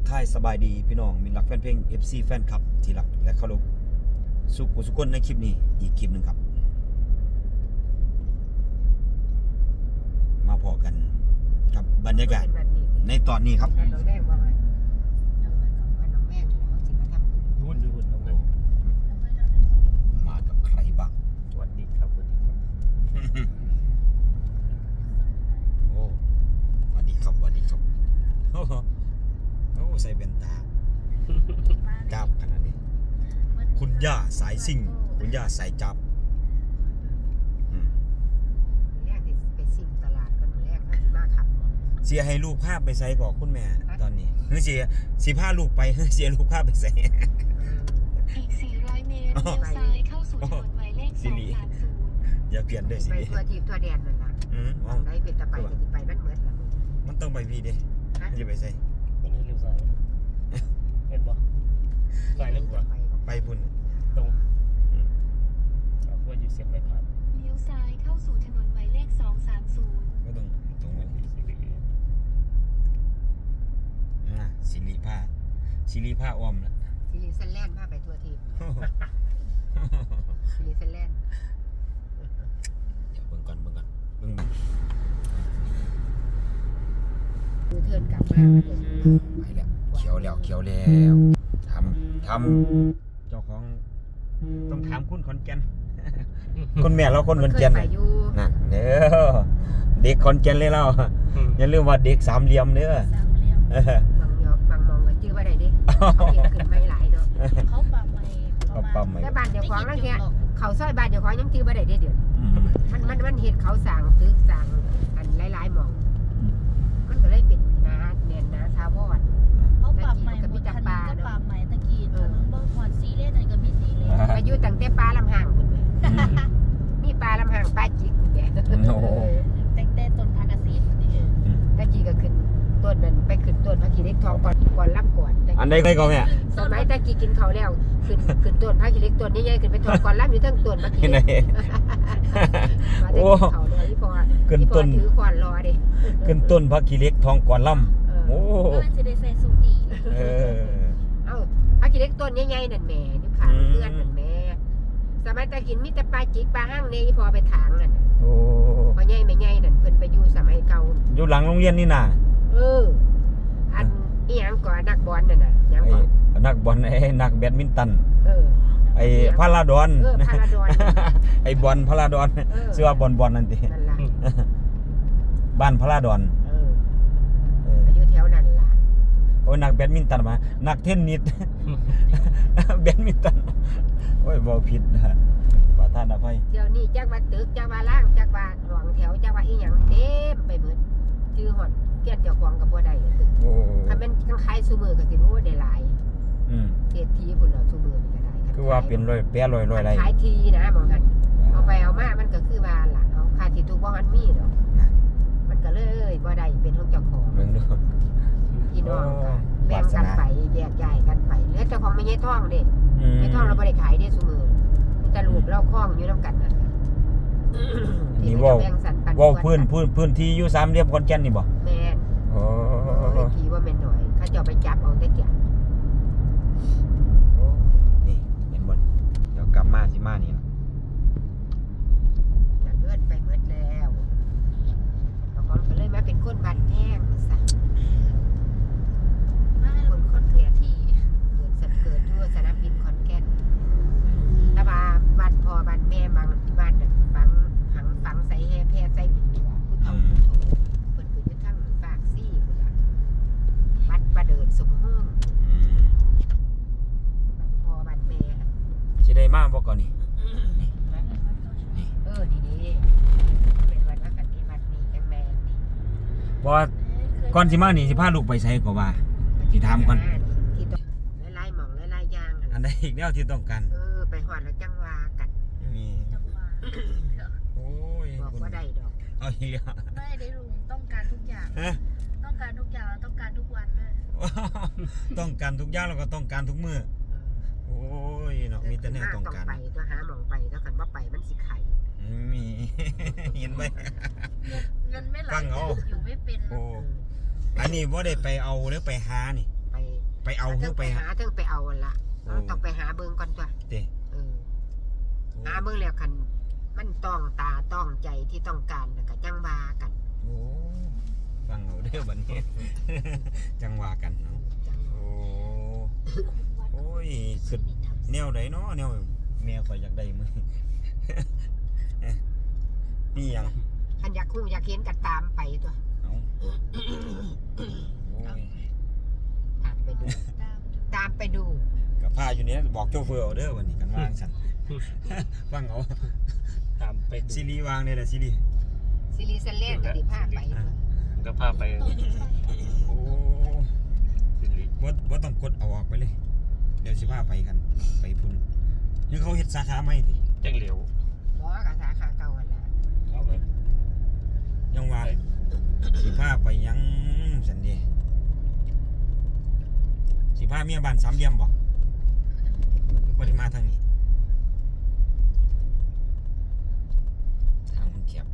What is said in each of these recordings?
ทายสบายดีพี่น้องมิตรรักแฟนเพลง FC แฟนคลับที่รักและเคารพสุขสุขคนในคลิปนี้อีกคลิปหนึ่งครับมาพอกันกับบรรยากาศในตอนนี้ครับรุ่นน้องเลยมากับใครบ้างสวัสดีครับสวัสดีครับโอ้สวัสดีครับสวัสดีครับโอ้ใส่เบนตาจับขนาดนี้คุณย่าสายซิ่งคุณย่าสายจับเสียให้ลูกภาพไปใส่ก่อคุณแม่ตอนนี้เฮ้ยเสียพาลูกไปเฮ้ยเสียลูกภาพไปใส่อีก400 เมตรเลี้ยวซ้ายเข้าสู่ถนนหมายเลข230 อย่าเปลี่ยนด้วยสิไปทั่วทีทั่วแดนนั่นล่ะมองได้เป็นตะไปก็สิไปมันเหมือนกันมันต้องไปพี่ดิอย่าไปใส่วันนี้เลี้ยวซ้ายเห็นปะซ้ายเลี้ยวขวาไปพุ่นตรงเอาเพื่ออยู่เสียงไม่ผ่านเลี้ยวซ้ายเข้าสู่ถนนหมายเลข230 ก็ต้องตรงนั้นสิริผ้าอ้อมละซิลิซันแลนด์พาไปทั่วทีซิลิซันแลนด์เดี๋ยวเบิ่งก่อนเบิ่งมันคือเทิร์นกลับมาไปแล้วเขียวแล้วทำเจ้าของต้องถามคุณขอนแก่นคุณแม่เราคนขอนแก่นไปอยู่นั่นเด้อเด็กขอนแก่นเลยเราอย่าลืมว่าเด็กสามเหลี่ยมเด้อบางมองก็ชื่อว่าใดดิเห็นขึ้นไม่หลายเนาะเขาปรับใหม่เขาปั๊มไหมแต่บ้านเดี๋ยวของนั่นแค่เขาซอยบ้านเดี๋ยวของยังชื่อว่าใดเดี๋ยวมันเห็ดเขาสั่งตึกสั่งอันหลายๆมองมันก็เลยเป็นนาแน่นนาทาวอนเขาปรับใหม่หมดถนนก็ปรับใหม่ตะกี้ถนนเบิร์คอนซีเลนอะไรก็มีซีเลนอายุตั้งแต่ปลาลำห่างคุณแม่มีปลาลำห่างปลาจิกคุณแม่โอ้โหแต่ต้นทากาซีตะกี้ก็ขึ้นต้นนั้นไปขึ้นต้นพระขีเล็กทองก่อนรับก่อนอันใดก็แม่สมัยตะกี้กินข้าวแล้วขึ้นต้นพระขีเล็กต้นใหญ่ๆขึ้นไปทองก่อนรับอยู่ทั้งต้นพระขีที่ไหนเล็กมาได้กินข้าวเลยพี่พอขึ้นต้นถือขวานรอดิขึ้นต้นพักขี้เหล็กทองก่อนล่ำโอ้มันจะได้ใส่สูตรดีเออเอ้าพระขีเล็กต้นใหญ่ๆนั่นแม่นิ้วขาเลื่อนนั่นแม่สมัยตะกี้มีแต่ปลาจิกปลาห้างเนี่ยพอไปถางนั่นโอ้พอใหญ่ไม่ใหญ่นั่นเพิ่นไปอยู่สมัยเก่าอยู่หลังโรงเรียนนี่น่ะอันอีหยังก่อนนักบอลนั่นน่ะหยังไอ้ก่อนนักบอลไอ้นักแบดมินตันเออไอ้พาราดอนพาราดอนไอ้บอลพาราดอนชื่อว่าบอลนั่นตินั่นล่ะบ้านพาราดอนอายุแถวนั้นล่ะโอ้ยนักแบดมินตันมานักเทนนิส แบดมินตันโอ้ยบ่ผิดนะประธานอภัยเดี๋ยวนี้จักว่าตึกจักว่าล่างจักว่าหวงแถวจักว่าอีหยังเต็มไปหมดชื่อฮอดเกียรติเจ้าของก็บ่ได้ตึกโอ้คันแม่นคันขายซุมื้อก็สิโอ้ได้หลายอืมเศรษฐีพุ่นแล้วซุมื้อนี่ก็ได้คือว่าเป็นร้อยแปะร้อยไรขายทีนะมองหั่นเอาไปเอามามันก็คือว่าล่ะเอาค่าที่ถูกบ่มันมีดอกมันก็เลยบ่ได้เป็นของเจ้าของมึงดูพี่น้องก็แบ่งกันไปแยกย้ายกันไปเหลือเจ้าของไม่ใช่ท่องเด้ไม่ท่องเราไม่ได้ขายเด้ซุมือมีแต่ลูกเราคล้องอยู่น้ำกันนั่นนี่ว่าพื้นที่อยู่สามเหลี่ยมขอนแก่นนี่บ่แม่นโอ้ทีว่าแม่นหน่อยเขาจะไปจับเอาแต่เกี่ยนี่เห็นบ่เดี๋ยวกลับมาสิมานี่ล่ะจะเลื่อนไปหมดแล้วเขาก็เลยมาเป็นคนบ้านแท่งซะคนขอนแก่นที่เกิดทั่วสนามบินขอนแก่นแต่ว่าบ้านพ่อบ้านแม่บางบ้านฝังใส่แห่แพร่ใส่บุญผู้เฒ่าผู้โถเพิ่นก็อยู่ทั้งปากซี่พุ่นล่ะบ้านประเดิดสมห้องบ้านพ่อบ้านแม่สิได้มาบ่ก่อนนี่ดีเป็นวันนักกันที่วัดนี้จังแม่นี่บ่ก่อนสิมานี่สิพาลูกไปไสก็ว่าสิถามก่อนที่ต้องไล่หม่องไล่ย่างอันใดอีกแนวที่ต้องการไปหอดแล้วจังว่ากันมีโอ้ยบอกว่าได้ดอกเอาอีกแล้วไม่ได้ลุงต้องการทุกอย่างฮะต้องการทุกอย่างแล้วต้องการทุกวันด้วยต้องการทุกอย่างแล้วก็ต้องการทุกมื้อโอ้ยเนาะมีแต่แนวต้องการไปก็หาหม่องไปแล้วกันว่าไปมันสิไข่มี เห็นไหมเงินไม่ไหลฟังเอาอยู่ไม่เป็นโอ้อันนี้บ่ได้ไปเอาหรือไปหานี่ไปไปเอาเพื่อไปหาเทิงไปเอาละต้องไปหาเบิ่งก่อนตัวเด้หาเบิ่งแล้วคันมันต้องตาต้องใจที่ต้องการแล้วก็จังว่ากันโอ้ฟังเอาเด้อบัดนี้ จังว่ากันเนาะจังโอ้ยสุดแนวใดเนาะแนวแม่ข่อยอยากได้มื้อ นี่หยังคันอยากคู่อยากเห็นก็ตามไปตัวเอ้าโอ้ยตามไปดู ตามไปดูกับผ้าอยู่เนี่ยบอกโชเฟอร์เอาเด้อวันนี้กันวางสั่น ฟังเอาตามไปดูซีรีส์วางได้แหละซีรีส์ซีรีส์ซันเล่นก็ได้พาไปตัวก็พาไปโอ้สิริบ่ต้องกดเอาออกไปเลย เดี๋ยวสิพาไปกัน ไปพุ่นนี่เขาเฮ็ดสาขาใหม่ติจังเหลียวบ่กับสาขาเก่าหั่นล่ะเอาไปยังว่าสิพาไปหยังซั่นเด้สิพาเมียบ้านสามเหลี่ยมบ่บ่ได้มาทางนี้ทางมันแคบ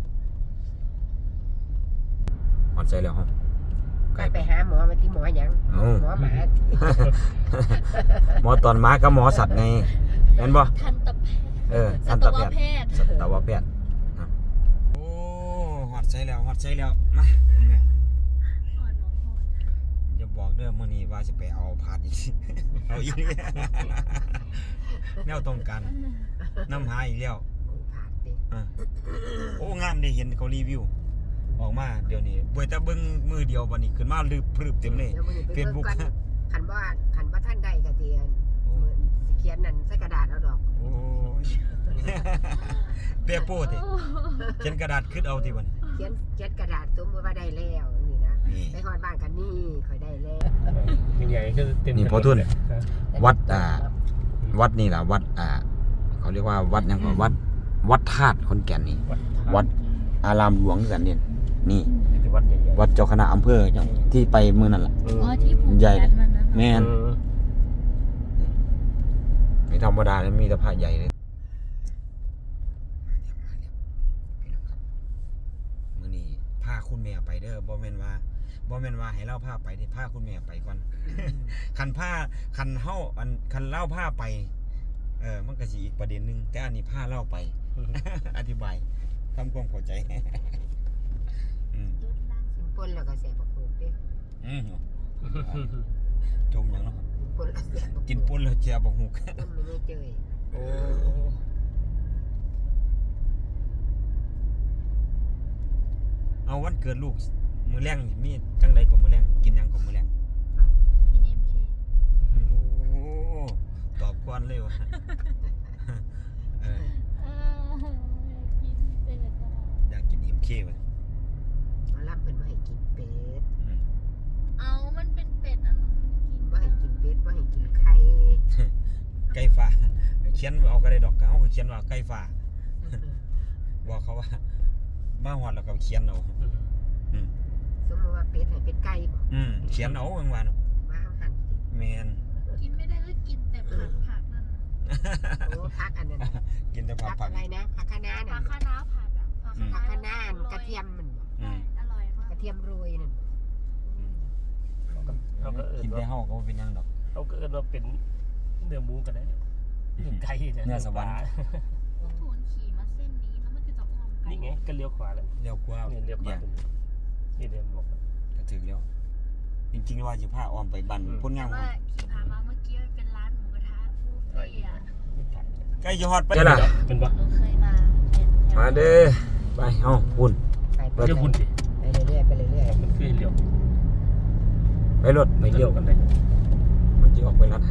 ฮอดใจแล้วฮะไปหาหมอมาที่หมอหยังเอ้าหมอหมาหมอตอนม้ากับหมอสัตว์ไงเห็นบ่ทันตแพทย์ทันตแพทย์ทย์สัตวแพทย์นะโอ้ฮอดใจแล้วฮอดใจแล้วมาแม่อ่อนหมอหอดอย่าบอกเด้อมื้อนี้ว่าสิไปเอาพาดอีก เอาอีกนี่ แนวต้องการน้ำหาอีกแล้วกูผ่านดิอ่ะโอ้งามได้เห็นเขารีวิวออกมาเดี๋ยวนี้บ่แต่เบิ่งมือเดียวบัดนี้ขึ้นมาลืบพรึบเต็มเลยดี๋ยวมื้อนี้ไป Facebook บิ่งก่อนคันว่าท่านได้ก็เตียนมื้อสิเขียนนั่นใส่กระดาษเอาดอกโอ้ย เปียโป้ติเขียนกระดาษขึ้นเอาติบัดนี้เขียนกระดาษสมมุติว่าได้แล้วนี่นะนี่ไปฮอดบ้านกันนี่ค่อยได้แล้วยังไงก็เต็มนี่พอทุนเลยวัดวัดนี่ล่ะวัดเขาเรียกว่าวัดหยังก่อนวัดธาตุขอนแก่นนี่ วัดอารามหลวงกันเนี่ยนี่ที่วัดใหญ่ๆวัดเจ้าคณะอำเภอที่ไปมื้อนั่นล่ะเอออ๋อที่ผูกใหญ่แขนมันนะแม่นเออไม่ธรรมดาเลยมีแต่พระใหญ่เลยมื้อนี้พาคุณแม่ไปเด้อบ่แม่นว่าให้เล่าพาไปที่พาคุณแม่ไปก่อน คันเล่าพาไปมันก็สิอีกประเด็นหนึงแต่อันนี้พาเล่าไป อธิบายทำความเข้าใจ อืมรถล้างกินป่นแล้วก็แซ่บบักโขกเด้อืมจมหยังเนาะกินป่นแล้วแซ่บบักโขกกินป่นแล้วแจ่บักหุกต้มไม่เจยโอ้เอาวันเกิดลูกมื้อแรงนี่มีจังใดก็มื้อแรงกินหยังก็มื้อแรงกิน MK โอ้ตอบก่อนเลยวะ เออกินเป็ดอะอยากกิน MK ว่ะเอาล่ำเพิ่นบ่ให้กินเป็ดอืมเอามันเป็นเป็ดอันนั้นกินบ่ให้กินเป็ดบ่ให้กินไข่ไก่ฟ้าเขียนเอาก็ได้ดอกเขาก็เขียนว่าไก่ฟ้าบอกเขาว่ามาฮอดแล้วก็เขียนเอาอืมสมมุติว่าเป็ดให้เป็ดไก่บ่เขียนเอาบางวันมาเอาหั่นสิแมนกินไม่ได้ก็กินแต่ผักนั่นน่ะโอ้พักอันนั้นน่ะกินแต่ผัพักกอะไรนะผักคะน้าผันั่กนคะน้าผัดอ่ะผักคะน้าอันกระเทียมมันบ่อืมอร่อยมากกระเทียมโรยนั่นเขาก็เอิ้กินนได้ว่าเฮาก็บ่เป็นหยังดอกเขาก็เอิ้นว่าเป็นเนื้อหมูกันได้เนื้อไก่เนี่ยเนื้อสวรรค์ถูนขี่มาเส้นนี้แล้วมันก็จะอ้อมไกลนี่ไงก็เลี้ยวขวาแล้วเลี้ยวกว่านี่เลี้ยวขวาเนี่ยตรงนี้นี่เดินบอกก็ถึงแล้ว จริงๆว่าสิพาอ้อมไปบ้านพ้นงามว่าขี่ผ่านมาเมื่อกี้มันเป็นร้านหมูกระทะฟูเฟ่อะใกล้จะฮอดไปเจ้าล่ะเป็นปะหนูเคยมาเป็นแถวมาเด้อไปเฮาพุ่นไปเลี้ยวหุ่นดิไปเรื่อยๆไปเรื่อยมันคือเลี้ยวไปรถไปเลี้ยวกันได้มันสิออกไปรัด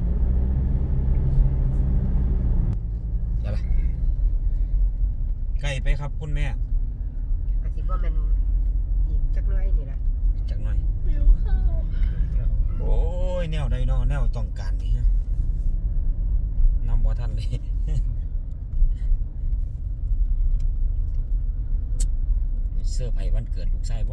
เดี๋ยวล่ะใกล้ไปครับคุณแม่ๆก็สิบ่แม่นอีกจักหน่อยนี่ล่ะจักหน่อยหิวข้าวโอ้ยแนวใดเนาะแนวต้องการนี่ฮะนำบ่ทันเลย เสื้อร์ไผ่วันเกิดลูกชายบ่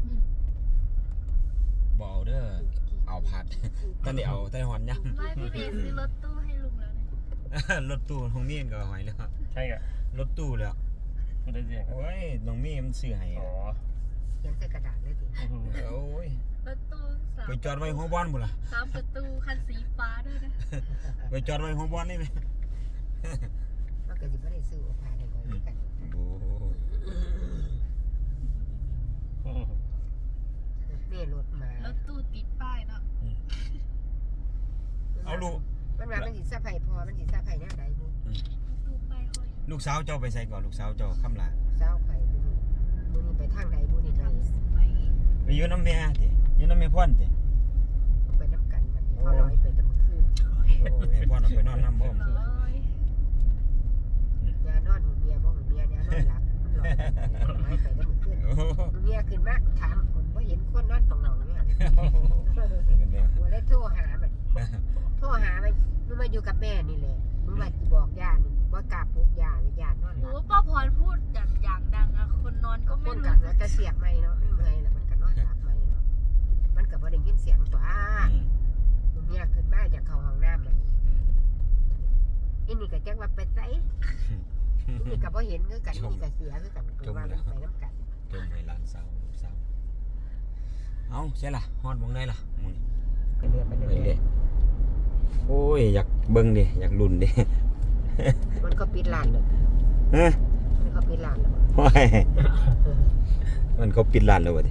บ่เอาเด้อเอาผัด ตอนนี้เอาแต่หอนย่ไม่พี่เบสซื้อรถตู้ให้ลุงแล้วเนี่ยำ รถตู้น้องมีนก็หอยแล้วใช่ไงรถตู้แล้วไม่ได้เสียงโอ้ยน้องมีนมันซื้อให้อ๋อเขียนใส่กระดาษเลยสิโอ้ยรถตู้สาไปจอดไว้หัวบ้านบุล่ะ 3 ประตูคันสีฟ้าด้วยนะไปจอดไว้หัวบ้านนี่ไหมมันก็สิบ่ได้ซื้อผ่าได้ก่อนกันโอ้แม่รถมาแล้วตู้ติดป้ายเนาะเอาลูกมันว่ามันสิสะไผพอมันสิสะไผแนวใดบ่ตู้ป้ายห้อยลูกสาวเจ้าไปใส่ก่อนลูกสาวเจ้าคำลาเช้าไผบ่รู้มื้อนี้ไปทางใดบ่นี่ไปไปไปอยู่น้ำแม่ติอยู่น้ำแม่พ่อนติไปนํกันมันเขาร้อยไปแต่เมื่อคืนแม่พ่อนเอาไปนอนน้ำพ่อมร้อยยานอนหูเมียบ่หูเมียยานอนหลับมันหลอนร้อยไปแต่เมื่อคืนโอ้โหเมียขึ้นมาถามคนบ่เห็นคนนอนฝั่งหนองเนี่ยกันเด้อกูเลยโทรหาบัดโทรหามันมึงมาอยู่กับแม่นี่แหละมึงมาสิบอกย่านี่บ่กล้าปลุกย่าเลยย่านอนหโหลับป้าพรพูดอย่างดังอะคนนอนก็ก็ไม่คนรู้กับจะเสียบไม่เนาะมันเมื่อยแล้วมันก็นอนหลับไม่เนาะมันก็บ่ได้ยินเสียงตัวอืมมึงเนี่ยขึ้นมาจากเข้าห้องน้ำมันอีนี่ก็จักว่าไปไสอีนี่ก็บ่เห็นคือกันอีนี่ก็เสียคือกันคือว่ามันไปน้ำกันจมให้หลานสาวลูกสาวเอาใช่ล่ะฮอดมองได้ล่ะหมื้นี้ไปเรื่อยไปไปเรื่เรื่ออย ยโอ้ยอยากเบิ่งดิอยากลุ้นดิมันก็ปิดร้านเลยฮะมันก็ปิดร้านแล้วโอ้ยมันเขาปิดร้านแล้ววะดิ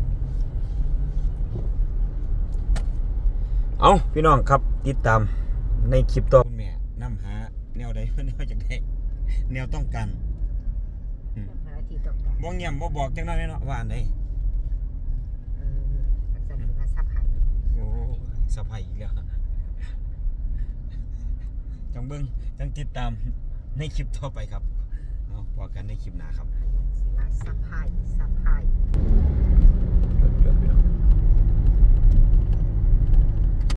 เอาพี่น้องครับติดตามในคลิปต่อคุณแม่นำหาแนวใด แนวจากใดแนวต้องการหาที่ต้องการบ่เงียบบ่บอกจังนั้นเนาะว่าอันใดอันนั้นคือว่าซับหายโอ้สะพายอีกแล้วจังเบิ่งจังติดตามในคลิปต่อไปครับเอาพบกันในคลิปหน้าครับสิว่าซับหาย